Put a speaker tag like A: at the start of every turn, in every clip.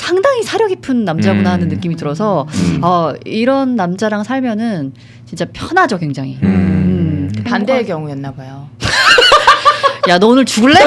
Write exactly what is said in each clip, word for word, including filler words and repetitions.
A: 상당히 사려 깊은 남자구나
B: 음.
A: 하는 느낌이 들어서
C: 음.
A: 어, 이런 남자랑 살면은 진짜 편하죠, 굉장히.
C: 음.
A: 음.
D: 반대의 경우였나 봐요.
A: 야, 너 오늘 죽을래?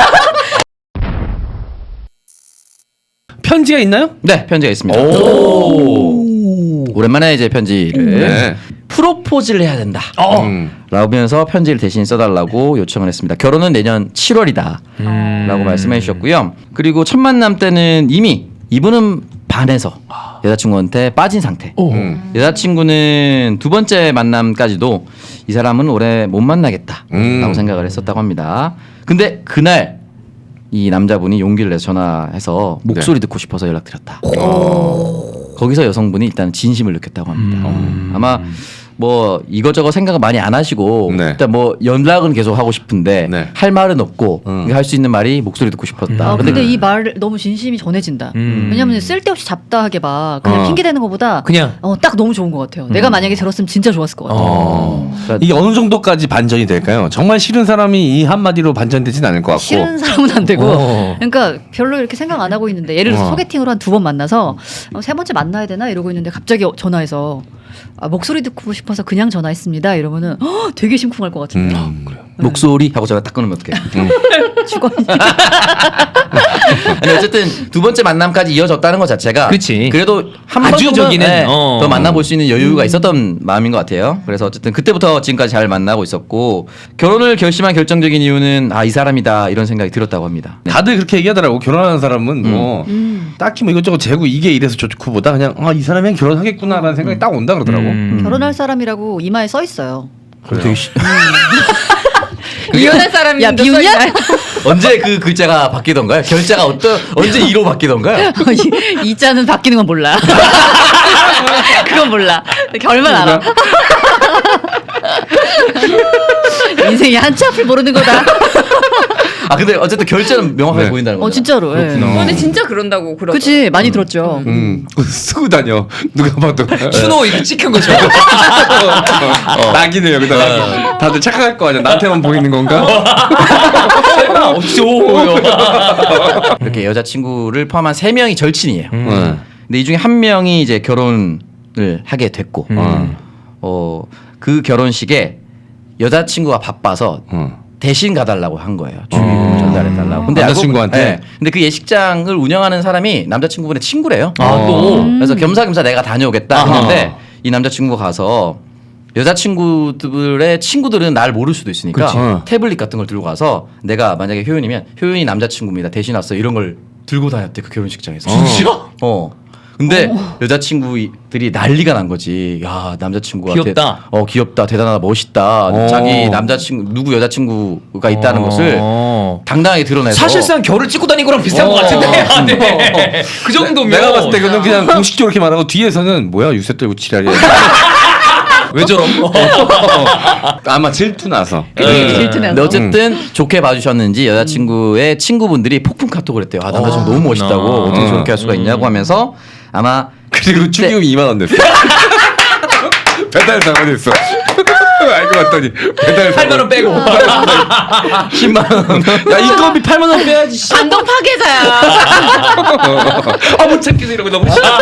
B: 편지가 있나요?
E: 네, 편지가 있습니다.
C: 오.
E: 오랜만에 이제 편지를
C: 네.
E: 프로포즈를 해야 된다.
B: 어.
C: 음.
E: 라면서 편지를 대신 써달라고 요청을 했습니다. 결혼은 내년 칠월이다
B: 음.
E: 라고 말씀해 주셨고요. 그리고 첫 만남 때는 이미 이분은 반해서 여자친구한테 빠진 상태.
C: 음.
E: 여자친구는 두 번째 만남까지도 이 사람은 오래 못 만나겠다
C: 음.
E: 라고 생각을 했었다고 합니다. 근데 그날 이 남자분이 용기를 내서 전화해서 목소리
C: 네.
E: 듣고 싶어서 연락드렸다. 거기서 여성분이 일단 진심을 느꼈다고 합니다.
B: 음.
E: 아마 뭐 이것저것 생각을 많이 안 하시고
C: 네.
E: 일단 뭐 연락은 계속 하고 싶은데
C: 네.
E: 할 말은 없고
C: 음.
E: 할 수 있는 말이 목소리 듣고 싶었다.
A: 어,
E: 근데
A: 근데 이 말 너무 진심이 전해진다.
B: 음.
A: 왜냐면 쓸데없이 잡다하게 막 그냥
C: 어.
A: 핑계 대는 것보다
B: 그냥.
A: 어, 딱 너무 좋은 것 같아요. 내가 만약에 들었으면 진짜 좋았을 것 같아요.
B: 어.
E: 그러니까
C: 이게 어느 정도까지 반전이 될까요? 정말 싫은 사람이 이 한마디로 반전되진 않을 것 같고.
A: 싫은 사람은 안 되고
B: 어.
A: 그러니까 별로 이렇게 생각 안 하고 있는데 예를 들어서
C: 어.
A: 소개팅으로 한 두 번 만나서 어, 세 번째 만나야 되나 이러고 있는데 갑자기 전화해서 아, 목소리 듣고 싶어서 그냥 전화했습니다 이러면은 허, 되게 심쿵할 것 같은데
C: 음.
E: 목소리 하고 전화 딱 끊으면 어떡해.
A: 죽어.
E: 아니 어쨌든 두 번째 만남까지 이어졌다는 것 자체가
B: 그치.
E: 그래도 한
B: 아주
E: 번
B: 저기는,
E: 정도는 네,
B: 어.
E: 더 만나볼 수 있는 여유가 있었던 마음인 것 같아요. 그래서 어쨌든 그때부터 지금까지 잘 만나고 있었고 결혼을 결심한 결정적인 이유는 아 이 사람이다 이런 생각이 들었다고 합니다. 네.
C: 다들 그렇게 얘기하더라고. 결혼하는 사람은 뭐
A: 음.
C: 딱히 뭐 이것저것 재고 이게 이래서 좋고보다 그냥 아 이 사람이랑 결혼하겠구나라는 생각이 딱 온다 그러더라고.
B: 음.
A: 결혼할 사람이라고 이마에 써 있어요.
C: 그래요.
D: 이혼한 사람이
A: 야, 비웃냐?
E: 언제 그 글자가 바뀌던가요? 결자가 어떤 언제 이로 바뀌던가요?
A: 이, 이 자는 바뀌는 건 몰라. 그건 몰라. 결만 알아. 인생이 한치 앞을 모르는 거다.
E: 아 근데 어쨌든 결자는 명확하게
C: 네.
E: 보인다는 거죠.
A: 어 진짜로. 예.
C: 그렇구나.
D: 근데 진짜 그런다고 그러죠.
A: 그치 많이 들었죠.
C: 음. 쓰고 다녀. 누가 봐도.
B: 추노 이거 찍힌 거죠.
C: 어. 낙이네 여기다 낙이. 다들 착각할 거 아니야. 나한테만 보이는 건가?
B: 어쩌.
E: 이렇게 여자친구를 포함한 세 명이 절친이에요.
C: 네.
E: 근데 이 중에 한 명이 이제 결혼을 하게 됐고
B: 음.
E: 어, 그 결혼식에 여자친구가 바빠서
C: 어.
E: 대신 가달라고 한 거예요. 주의를
C: 어.
E: 전달해달라고. 근데
C: 남자친구한테?
E: 알고, 네. 근데 그 예식장을 운영하는 사람이 남자친구분의 친구래요.
B: 아, 또.
A: 음.
E: 그래서 겸사겸사 내가 다녀오겠다
B: 아하.
E: 했는데 이 남자친구가 가서 여자친구들의 친구들은 날 모를 수도 있으니까
C: 그치. 어.
E: 태블릿 같은 걸 들고 가서 내가 만약에 효윤이면 효윤이 남자친구입니다. 대신 왔어. 이런 걸 들고 다녔대 그 결혼식장에서.
B: 진짜?
E: 어. 근데 여자친구들이 난리가 난 거지. 야 남자친구가
B: 귀엽다.
E: 대, 어 귀엽다, 대단하다, 멋있다.
C: 어.
E: 자기 남자친구 누구 여자친구가 있다는 것을
B: 어.
E: 당당하게 드러내서.
B: 사실상 결을 찍고 다닌 거랑 비슷한
E: 어.
B: 것 같은데. 아, 네.
E: 어.
B: 그 정도면
C: 내가 봤을 때 그는 그냥 공식적으로 이렇게 말하고 뒤에서는 뭐야 유세 떨고 지랄이야.
B: 왜 저럼?
C: 아마 질투 나서.
E: 네.
A: 질투나서.
E: 근데 어쨌든 좋게 봐주셨는지 여자친구의 친구분들이 폭풍 카톡을 했대요. 아 남자친구
B: 어.
E: 너무 멋있다고
B: 어.
E: 어떻게 저렇게 할 수가 있냐고 하면서 아마
C: 그리고 축의금이 이만 원 냈어. 배달 사고됐어. 알고 봤더니 배달
B: 팔만 원 빼고.
E: 십만 원.
C: 야 인건비 팔만 원 빼야지. 씨.
D: 반동 파괴자야.
C: 아못 참겠어 이러고 너무 싫어.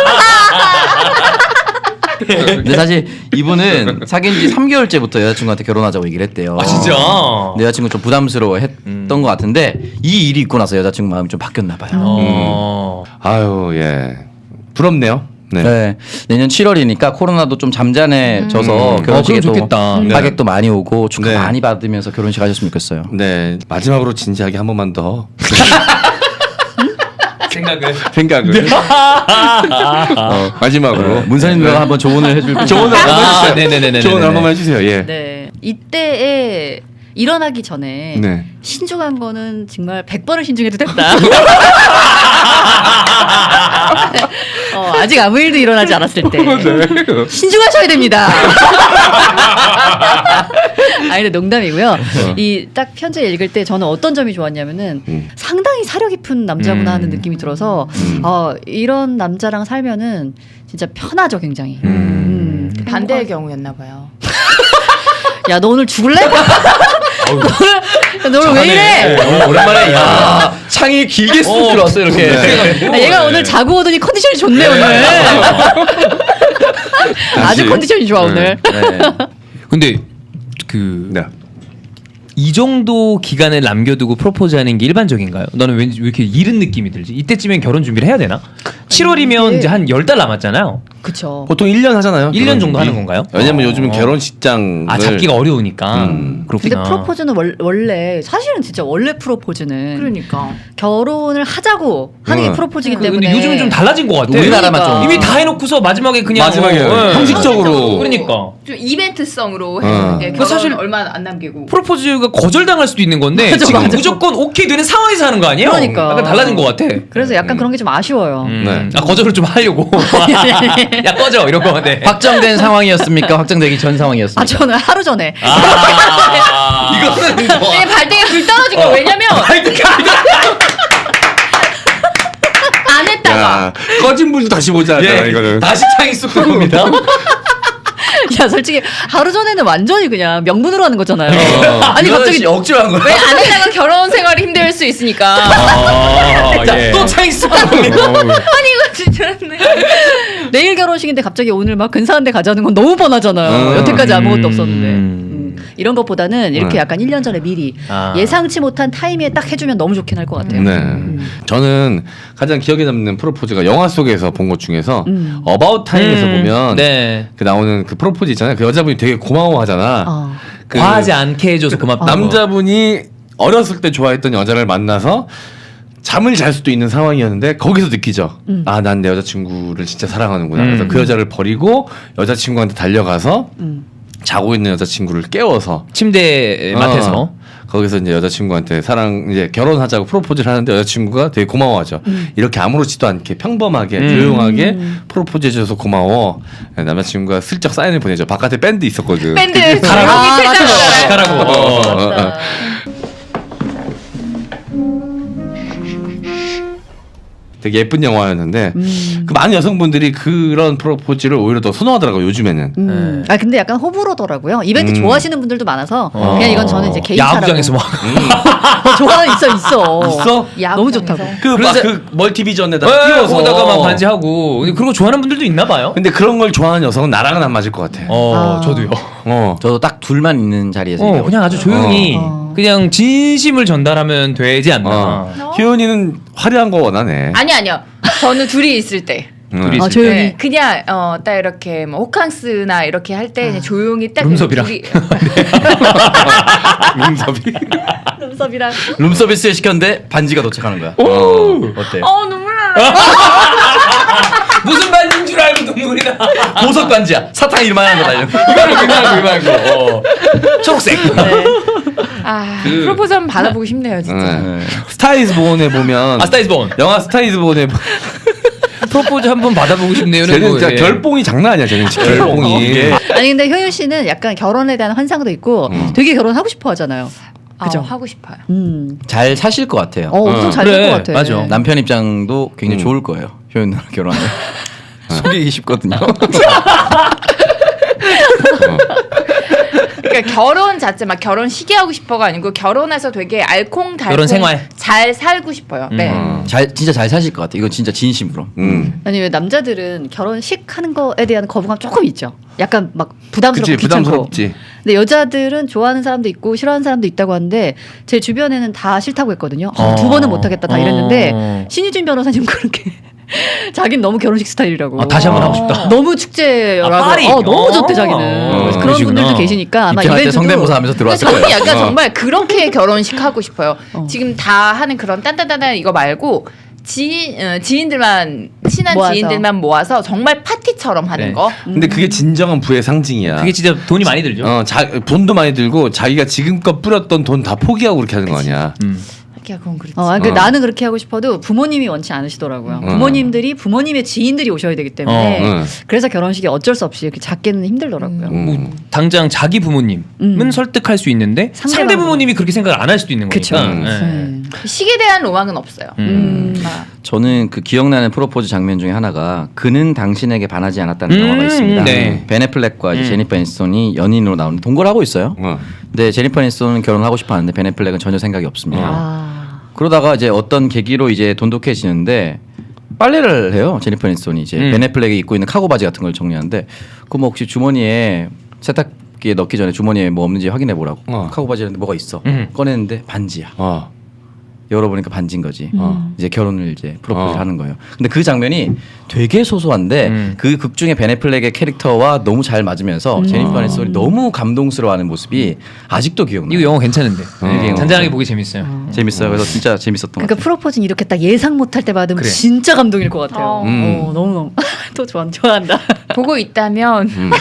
E: 근데 사실 이분은 사귄 지 삼 개월째부터 여자친구한테 결혼하자고 얘기를 했대요.
B: 아 진짜.
E: 근데 여자친구 좀 부담스러워했던
B: 음.
E: 것 같은데 이 일이 있고 나서 여자친구 마음이 좀 바뀌었나 봐요.
B: 어.
C: 아유 예 부럽네요. 네.
E: 네. 내년 칠월이니까 코로나도 좀 잠잠해져서
B: 음. 어,
E: 결혼식에
B: 그럼
E: 또
B: 좋겠다. 네.
E: 하객도 많이 오고 축하
C: 네.
E: 많이 받으면서 결혼식 하셨으면 좋겠어요.
C: 네 마지막으로 진지하게 한 번만 더
B: 생각을.
C: 생각을 어, 마지막으로
E: 문선인 누나가 한번 조언을 해줄
C: 조언을 한번
B: 아,
C: 해주세요.
B: 네네네네네.
C: 조언을 한 번만 해주세요. 예.
A: 네. 이때에 일어나기 전에
C: 네.
A: 신중한 거는 정말 백 번을 신중해도 된다. 어, 아직 아무 일도 일어나지 않았을 때 신중하셔야 됩니다. 아니 근데 농담이고요. 이 딱 편지 읽을 때 저는 어떤 점이 좋았냐면은
C: 음.
A: 상당히 사려 깊은 남자구나
B: 음.
A: 하는 느낌이 들어서
C: 음.
A: 어, 이런 남자랑 살면은 진짜 편하죠, 굉장히.
C: 음.
A: 음.
D: 반대의 경우였나 봐요.
A: 야, 너 오늘 죽을래? 오늘 너 왜 이래?
E: 어, 오랜만에 야 창이 길게 쑥
B: 어,
E: 들어왔어 이렇게.
A: 아, 얘가 오늘 자고 오더니 컨디션이 좋네 오늘. 아주 컨디션이 좋아 오늘.
E: 네.
B: 근데 그
C: 네.
B: 이 정도 기간을 남겨두고 프로포즈하는 게 일반적인가요? 너는 왠지 왜 이렇게 이른 느낌이 들지? 이때쯤엔 결혼 준비를 해야 되나? 칠월이면
A: 이게-
B: 이제 한 열 달 남았잖아요.
A: 그쵸.
C: 보통 일 년 하잖아요.
B: 일 년
C: 결혼
B: 정도
C: 준비.
B: 하는 건가요?
C: 왜냐면
B: 어.
C: 요즘은 결혼식장
B: 아 잡기가 어려우니까.
C: 음.
A: 근데
B: 그렇구나.
A: 프로포즈는 월, 원래 사실은 진짜 원래 프로포즈는
D: 그러니까.
A: 결혼을 하자고 하는 게
C: 응.
A: 프로포즈이기
B: 그-
A: 때문에.
B: 근데 요즘은 좀 달라진 것 같아.
E: 우리나라만
A: 그러니까.
E: 좀
B: 이미 다 해놓고서 마지막에 그냥
C: 마지막에
B: 어, 예.
C: 형식적으로.
B: 그러니까.
D: 좀 이벤트성으로
C: 어.
D: 했는데
B: 그
D: 결혼
B: 사실-
D: 얼마 안 남기고.
B: 프로포즈가 거절당할 수도 있는 건데
A: 맞아,
B: 지금
A: 맞아.
B: 무조건 오케이 되는 상황에서 하는 거 아니에요?
A: 그러니까.
B: 약간 달라진 것 같아.
A: 그래서 약간 그런 게 좀 아쉬워요.
B: 음.
C: 네.
B: 아 거절을 좀 하려고. 야 꺼져 이런 거. 네.
E: 확정된 상황이었습니까? 확정되기 전 상황이었습니까?
A: 아 저는 하루 전에
B: 아 이거는 뭐.
D: 내 발등에 불 떨어진 거 왜냐면 안 했다가
C: 야, 꺼진 불도 다시 보자.
B: 예,
C: 이거는.
B: 다시 창이 쑥 들어옵니다.
A: 야 솔직히 하루 전에는 완전히 그냥 명분으로 하는 거잖아요.
C: 어.
A: 아니 갑자기
E: 억지로 한 거야.
D: 왜 안 했다가 결혼 생활이 힘들 수 있으니까.
B: 아, 예.
E: 또 창이 쑥 들어옵니다.
D: 아니 이거 진짜네.
A: 내일 결혼식인데 갑자기 오늘 막 근사한 데 가자는 건 너무 뻔하잖아요.
C: 음.
A: 여태까지 아무것도
B: 음.
A: 없었는데. 음. 이런 것보다는 이렇게
C: 음.
A: 약간 일 년 전에 미리
B: 아.
A: 예상치 못한 타이밍에 딱 해주면 너무 좋긴 할 것 같아요.
C: 네. 저는 가장 기억에 남는 프로포즈가 영화 속에서 본 것 중에서
A: 음.
C: 어바웃 타임에서
B: 음,
C: 보면
B: 네.
C: 그 나오는 그 프로포즈 있잖아요. 그 여자분이 되게 고마워하잖아.
A: 어.
C: 그
B: 과하지 않게 해줘서 고맙다.
C: 남자분이 어렸을 때 좋아했던 여자를 만나서 잠을 잘 수도 있는 상황이었는데 거기서 느끼죠.
A: 음.
C: 아, 난 내 여자친구를 진짜 사랑하는구나.
B: 음.
C: 그래서 그 여자를 버리고 여자친구한테 달려가서
A: 음.
C: 자고 있는 여자친구를 깨워서
B: 침대 맡에서.
C: 어, 거기서 이제 여자친구한테 사랑 이제 결혼하자고 프로포즈를 하는데 여자친구가 되게 고마워하죠. 이렇게 아무렇지도 않게 평범하게
B: 음.
C: 조용하게 프로포즈 해줘서 고마워. 남자친구가 슬쩍 사인을 보내죠. 바깥에 밴드 있었거든.
D: 밴드
C: 그게-
D: 가라고
A: 아, 맞아.
B: 가라고.
C: 어, 어, 어, 어.
A: 맞다.
C: 되게 예쁜 영화였는데
A: 음.
C: 그 많은 여성분들이 그런 프로포즈를 오히려 더 선호하더라고요. 요즘에는.
A: 음. 아 근데 약간 호불호더라고요. 이벤트
C: 음.
A: 좋아하시는 분들도 많아서
B: 어.
A: 그냥 이건 저는 이제 개인
B: 야구장에서 막.
A: 어, 좋아 있어 있어.
C: 있어?
A: 너무 좋다고.
C: 그 막
B: 그래서-
C: 그 멀티비전에다
B: 네,
C: 띄워서
B: 거기다가 막 반지하고. 근데 그런 거 좋아하는 분들도 있나 봐요.
C: 근데 그런 걸 좋아하는 여성은 나랑은 안 맞을 것 같아.
B: 어,
A: 아.
B: 저도요.
C: 어.
E: 저도 딱 둘만 있는 자리에서
B: 어,
E: 얘기하고
B: 그냥 아주 조용히
A: 어.
B: 그냥 진심을 전달하면 되지 않나.
C: 어. 희연이는 화려한 거 원하네.
D: 아니 아니요. 저는 둘이 있을 때.
C: 응.
B: 둘이
A: 아,
B: 있을
A: 조용히.
D: 네, 그냥 어 딱 이렇게 뭐 호캉스나 이렇게 할 때 그냥 조용히 딱
B: 룸섭이랑.
D: 둘이-
C: 민섭이.
A: 룸섭이랑
E: 룸서비스에 시켰는데 반지가 도착하는 거야.
C: 어.
E: 어때?
D: 어 눈물 나네.
B: 무슨 반지인 줄 알고 눈물이 나.
E: 보석 반지야. 사탕 이만한 거다. 이런.
B: 이거는 그냥 이만고. 어. 초록색.
D: 아
C: 그-
D: 프로포즈 한번 받아보고 싶네요 진짜.
C: 네. 스타이즈 본에 보면
B: 아 스타이즈 본.
C: 영화 스타이즈 본에
B: 프로포즈 한번 받아보고 싶네요.
C: 쟤는
B: 뭐,
C: 진짜
B: 예.
C: 결봉이 장난 아니야. 쟤는 진짜 결봉이.
E: 이게
A: 아니 근데 효윤 씨는 약간 결혼에 대한 환상도 있고
C: 음.
A: 되게 결혼하고 싶어 하잖아요. 그죠?
D: 어, 하고 싶어요.
A: 음.
E: 잘 사실 것 같아요.
A: 어, 엄청
C: 어.
A: 잘 될
B: 그래,
A: 것 같아.
B: 맞아.
E: 남편 입장도 굉장히
C: 음.
E: 좋을 거예요. 효연 누나 결혼하면. 속이기 쉽거든요.
D: 그러니까 결혼 자체 막 결혼 시기 하고 싶어가 아니고 결혼해서 되게 알콩달콩
B: 결혼 생활.
D: 잘 살고 싶어요. 네.
C: 음.
E: 잘 진짜 잘 사실 것 같아요. 이건 진짜 진심으로.
C: 음.
A: 아니 왜 남자들은 결혼식 하는 거에 대한 거부감 조금 있죠. 약간 막 부담스럽고
C: 그치
A: 귀찮고.
C: 부담스럽지.
A: 근데 여자들은 좋아하는 사람도 있고 싫어하는 사람도 있다고 하는데 제 주변에는 다 싫다고 했거든요. 어, 두 번은 못하겠다 다 이랬는데
B: 어.
A: 신유진 변호사님 그렇게 자기는 너무 결혼식 스타일이라고.
B: 아, 다시 한번 하고 싶다.
A: 너무 축제라고.
B: 아, 파리?
A: 어, 너무 좋대
B: 어.
A: 자기는.
B: 어,
A: 그래서 그런
B: 그러시구나.
A: 분들도 계시니까 아마
E: 입장할 때
A: 이벤트도
E: 성대모사 하면서
D: 근데
E: 들어왔을
D: 저는
E: 거예요.
D: 약간
C: 어.
D: 정말 그렇게 결혼식 하고 싶어요.
A: 어.
D: 지금 다 하는 그런 딴딴딴딴 이거 말고 지인 어, 지인들만 친한
A: 모아서.
D: 지인들만 모아서 정말 파티처럼 하는
B: 네.
D: 거.
C: 근데 그게 진정한 부의 상징이야.
B: 그게 진짜 돈이 많이 들죠.
C: 어, 자, 돈도 많이 들고 자기가 지금껏 뿌렸던 돈 다 포기하고 그렇게 하는 거 아니야.
B: 음.
D: 야, 그건 그렇지.
A: 어, 아니, 그
C: 어.
A: 나는 그렇게 하고 싶어도 부모님이 원치 않으시더라고요.
C: 어.
A: 부모님들이 부모님의 지인들이 오셔야 되기 때문에
C: 어, 어.
A: 그래서 결혼식이 어쩔 수 없이 이렇게 작게는 힘들더라고요.
C: 음.
B: 뭐 당장 자기 부모님은
A: 음.
B: 설득할 수 있는데
A: 상대방
B: 상대 부모님이 그렇게 생각을 안 할 수도 있는
A: 그쵸.
B: 거니까.
C: 음.
B: 예.
A: 네.
D: 식에 대한 로망은 없어요.
B: 음.
A: 음.
D: 아,
E: 저는 그 기억나는 프로포즈 장면 중에 하나가 그는 당신에게 반하지 않았다는
B: 음,
E: 영화가 있습니다.
B: 네.
E: 벤 애플렉과 이제
B: 음.
E: 제니퍼 애니스톤이 연인으로 나오는 동거를 하고 있어요.
C: 어.
E: 근데 네, 제니퍼 애니스톤은 결혼하고 싶어 하는데 벤 애플렉은 전혀 생각이 없습니다.
A: 아.
E: 그러다가 이제 어떤 계기로 이제 돈독해지는데 빨래를 해요. 제니퍼 애니스톤이 이제
B: 음.
E: 벤 애플렉이 입고 있는 카고 바지 같은 걸 정리하는데 그 뭐 혹시 주머니에 세탁기에 넣기 전에 주머니에 뭐 없는지 확인해 보라고.
C: 어.
E: 카고 바지였는데 뭐가 있어.
B: 음.
E: 꺼냈는데 반지야.
C: 어.
E: 열어보니까 반지인 거지.
C: 어.
E: 이제 결혼을 이제 프로포즈를
C: 어.
E: 하는 거예요. 근데 그 장면이 되게 소소한데
B: 음.
E: 그 극 중에 벤 애플렉의 캐릭터와 너무 잘 맞으면서 제니퍼 애니스톤이 너무 감동스러워하는 모습이 아직도 기억나요.
B: 이거 영화 괜찮은데.
E: 어.
B: 잔잔하게 보기 재밌어요.
E: 재밌어요. 그래서 진짜 재밌었던 것
A: 그러니까
E: 같아요.
A: 프로포즈는 이렇게 딱 예상 못할 때 받으면
B: 그래.
A: 진짜 감동일 것 같아요.
D: 어.
E: 음.
A: 어, 너무 너무 또 좋아 좋아한다.
D: 보고 있다면
C: 음.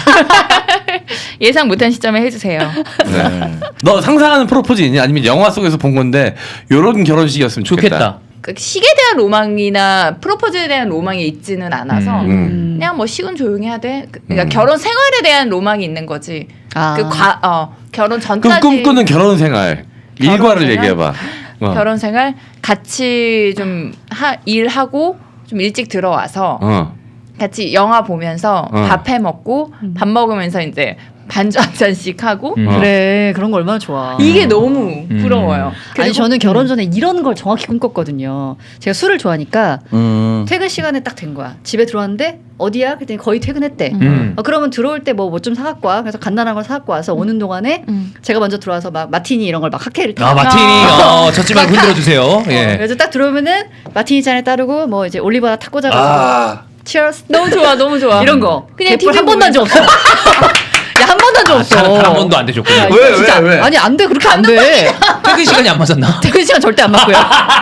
D: 예상 못한 시점에 해주세요.
E: 네.
C: 너 상상하는 프로포즈 있니? 아니면 영화 속에서 본 건데 요런 결혼식이었으면 좋겠다.
B: 좋겠다.
D: 그 식에 대한 로망이나 프로포즈에 대한 로망이 있지는 않아서
B: 음.
C: 음.
D: 그냥 뭐 식은 조용히 하되 그- 그러니까
C: 음.
D: 결혼 생활에 대한 로망이 있는 거지.
A: 아.
D: 그 과, 어, 결혼
C: 그럼
D: 전까지
C: 꿈꾸는 결혼 생활
D: 결혼
C: 일과를
D: 생활?
C: 얘기해봐. 어.
D: 결혼 생활 같이 좀 하, 일하고 좀 일찍 들어와서
C: 어.
D: 같이 영화 보면서
C: 어.
D: 밥 해 먹고 밥 먹으면서 이제 반주 한 잔씩 하고
B: 음.
A: 그래 그런 거 얼마나 좋아.
D: 이게 너무 부러워요.
A: 아니
D: 그리고-
A: 저는 결혼 전에 이런 걸 정확히 꿈꿨거든요. 제가 술을 좋아하니까
E: 음.
A: 퇴근 시간에 딱 된 거야. 집에 들어왔는데 어디야? 그랬더니 거의 퇴근했대.
B: 음.
A: 어, 그러면 들어올 때 뭐 뭐 좀 사갖고 와. 그래서 간단한 걸 사갖고 와서 오는 동안에
D: 음.
A: 제가 먼저 들어와서 막 마티니 이런 걸 막 칵테일을
B: 아
A: 타.
B: 마티니 어, 젖지 말고 흔들어 주세요.
A: 어,
B: 예.
A: 그래서 딱 들어오면은 마티니 잔에 따르고 뭐 이제 올리브 하나 탁 꽂아가지고
C: 아.
A: 치얼스
D: 너무 좋아, 너무 좋아.
A: 이런 거.
D: 그냥
A: 개뿔
D: 티비
A: 한 번도 한 적 없어. 야 한 번도 한 적 없어.
B: 단 한 번도 안 되셨군요.
A: 야,
C: 왜,
A: 진짜
C: 왜, 왜?
A: 아니 안 돼 그렇게 안 돼.
B: 퇴근 시간이 안 맞았나?
A: 퇴근 시간 절대 안 맞고요.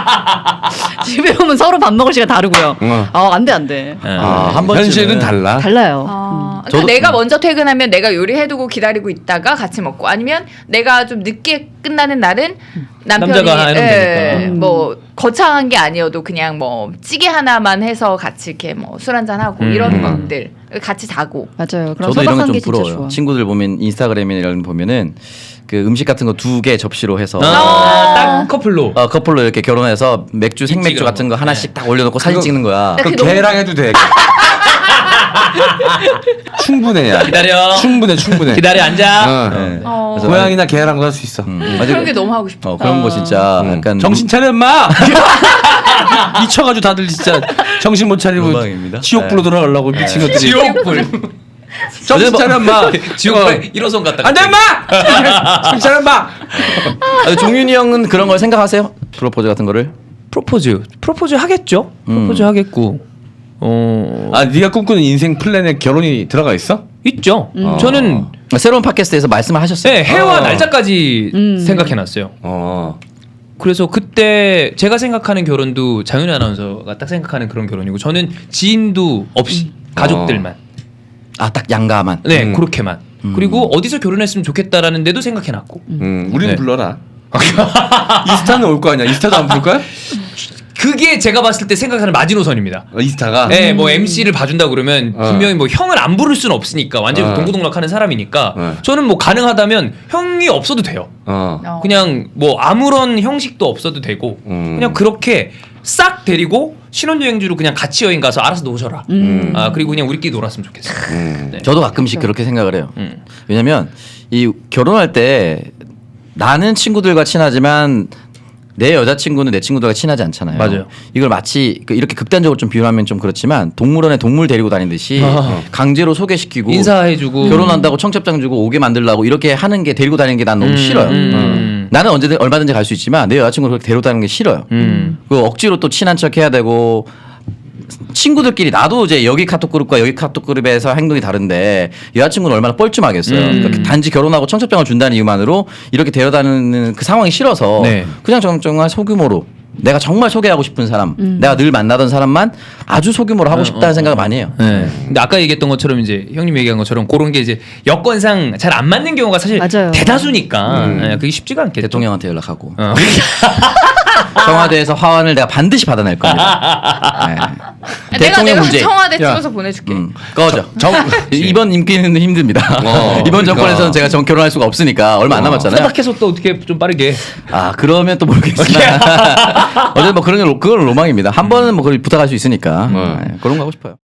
A: 집에 오면 서로 밥 먹을 시간 다르고요.
C: 어.
A: 아 안 돼 안 돼.
C: 아,
E: 한 번쯤은
C: 현실은 달라.
A: 달라요.
D: 아, 그러니까
E: 저도-
D: 내가 먼저 퇴근하면 내가 요리해두고 기다리고 있다가 같이 먹고 아니면 내가 좀 늦게 끝나는 날은 남편이
B: 남자가 해놓으면
D: 예,
B: 되니까.
D: 뭐 거창한 게 아니어도 그냥 뭐 찌개 하나만 해서 같이 이렇게 뭐 술 한잔 하고
B: 음.
D: 이런
C: 음.
D: 것들 같이 자고
A: 맞아요. 그런
E: 저도 이런
A: 소박한
E: 게
A: 게
E: 좀
A: 진짜
E: 부러워요.
A: 좋아.
E: 친구들 보면 인스타그램이나 이런 거 보면은 그 음식 같은 거 두 개 접시로 해서
B: 아, 딱 커플로.
E: 어, 커플로 이렇게 결혼해서 맥주 생맥주
B: 찍어.
E: 같은 거 하나씩 딱 올려놓고 사진
C: 그거-
E: 찍는 거야.
D: 나
C: 그
D: 그게 너무-
C: 걔랑 해도 돼. 충분해야.
B: 기다려.
C: 충분해, 충분해.
B: 기다려 앉아.
C: 어.
E: 네.
D: 어.
E: 그래서
C: 고양이나 개랑도 할 수 있어.
E: 음,
D: 그런
E: 맞아요.
D: 게 너무 하고 싶어.
E: 어, 그런 거 진짜
C: 음.
E: 약간
C: 정신 차려 인마. 미쳐가지고 다들 진짜 정신 못 차리고
E: 로망입니다.
C: 지옥불로
E: 네.
C: 들어가려고 미친 것들이.
B: 지옥불.
C: 정신 차려 인마.
B: 지옥불 일호선 갔다.
C: 안돼 인마. 정신 차려 인마.
E: 아, 종윤이 형은 그런 걸 생각하세요? 프로포즈 같은 거를?
B: 프로포즈. 프로포즈 하겠죠. 프로포즈
E: 음.
B: 하겠고. 어.
C: 아 네가 꿈꾸는 인생 플랜에 결혼이 들어가 있어?
B: 있죠.
C: 음.
B: 저는
E: 새로운 팟캐스트에서 말씀을 하셨어요.
B: 네, 해와
C: 어.
B: 날짜까지
A: 음.
B: 생각해놨어요.
C: 어.
B: 그래서 그때 제가 생각하는 결혼도 장윤희 아나운서가 딱 생각하는 그런 결혼이고 저는 지인도 없이 가족들만.
E: 아, 딱 양가만.
B: 네,
C: 음.
B: 그렇게만. 그리고 어디서 결혼했으면 좋겠다라는 데도 생각해놨고.
C: 음, 우리는
B: 네.
C: 불러라. 이스타는 올 거 아니야? 이스타도 안 부를 거야?
B: 그게 제가 봤을 때 생각하는 마지노선입니다.
C: 어, 이스타가.
B: 네, 뭐 엠씨를 봐준다 그러면
C: 어.
B: 분명히 뭐 형을 안 부를 수는 없으니까 완전히
C: 어.
B: 동고동락하는 사람이니까
C: 어.
B: 저는 뭐 가능하다면 형이 없어도 돼요.
C: 어.
D: 어.
B: 그냥 뭐 아무런 형식도 없어도 되고
C: 음.
B: 그냥 그렇게 싹 데리고 신혼여행지로 그냥 같이 여행 가서 알아서 노셔라.
A: 음.
B: 아 그리고 그냥 우리끼리 놀았으면 좋겠어.
C: 음.
B: 네.
E: 저도 가끔씩 그렇게 생각을 해요.
B: 음.
E: 왜냐면 이 결혼할 때 나는 친구들과 친하지만 내 여자친구는 내 친구들과 친하지 않잖아요.
B: 맞아요.
E: 이걸 마치 그 이렇게 극단적으로 좀 비유하면 좀 그렇지만 동물원에 동물 데리고 다니듯이
B: 아.
E: 강제로 소개시키고
B: 인사해주고
E: 결혼한다고 청첩장 주고 오게 만들라고 이렇게 하는 게 데리고 다니는 게 난 너무
B: 음,
E: 싫어요.
B: 음.
E: 나는 언제든 얼마든지 갈 수 있지만 내 여자친구를 그렇게 데리고 다니는 게 싫어요.
B: 음.
E: 그 억지로 또 친한 척 해야 되고 친구들끼리 나도 이제 여기 카톡 그룹과 여기 카톡 그룹에서 행동이 다른데 여자친구는 얼마나 뻘쭘하겠어요.
B: 음.
E: 그러니까 단지 결혼하고 청첩장을 준다는 이유만으로 이렇게 데려다니는 그 상황이 싫어서
B: 네.
E: 그냥 정말 소규모로 내가 정말 소개하고 싶은 사람, 내가 늘 만나던 사람만 아주 소규모로 하고
B: 어,
E: 싶다는
B: 어,
E: 생각을
B: 어.
E: 많이 해요.
B: 네. 근데 아까 얘기했던 것처럼 이제 형님 얘기한 것처럼 그런 게 이제 여건상 잘 안 맞는 경우가 사실
A: 맞아요.
B: 대다수니까
C: 음.
B: 네, 그게 쉽지가 않겠죠.
E: 대통령한테 연락하고
B: 어.
E: 청와대에서 화환을 내가 반드시 받아낼 겁니다. 네.
D: 내가
E: 대통령
D: 내가
E: 문제.
D: 청와대
C: 야.
D: 찍어서 보내줄게.
E: 음, 꺼져.
C: 정-
E: 이번 임기는 힘듭니다.
C: 어,
E: 이번
C: 그러니까.
E: 정권에서는 제가 정 결혼할 수가 없으니까 얼마 안
C: 어.
E: 남았잖아요.
B: 소박해서 또 어떻게 좀 빠르게.
E: 아 그러면 또 모르겠지만 어쨌든 뭐 그런 게 로- 그건 로망입니다. 한 번은 뭐 그걸 부탁할 수 있으니까
C: 음.
E: 네, 그런 거 하고 싶어요.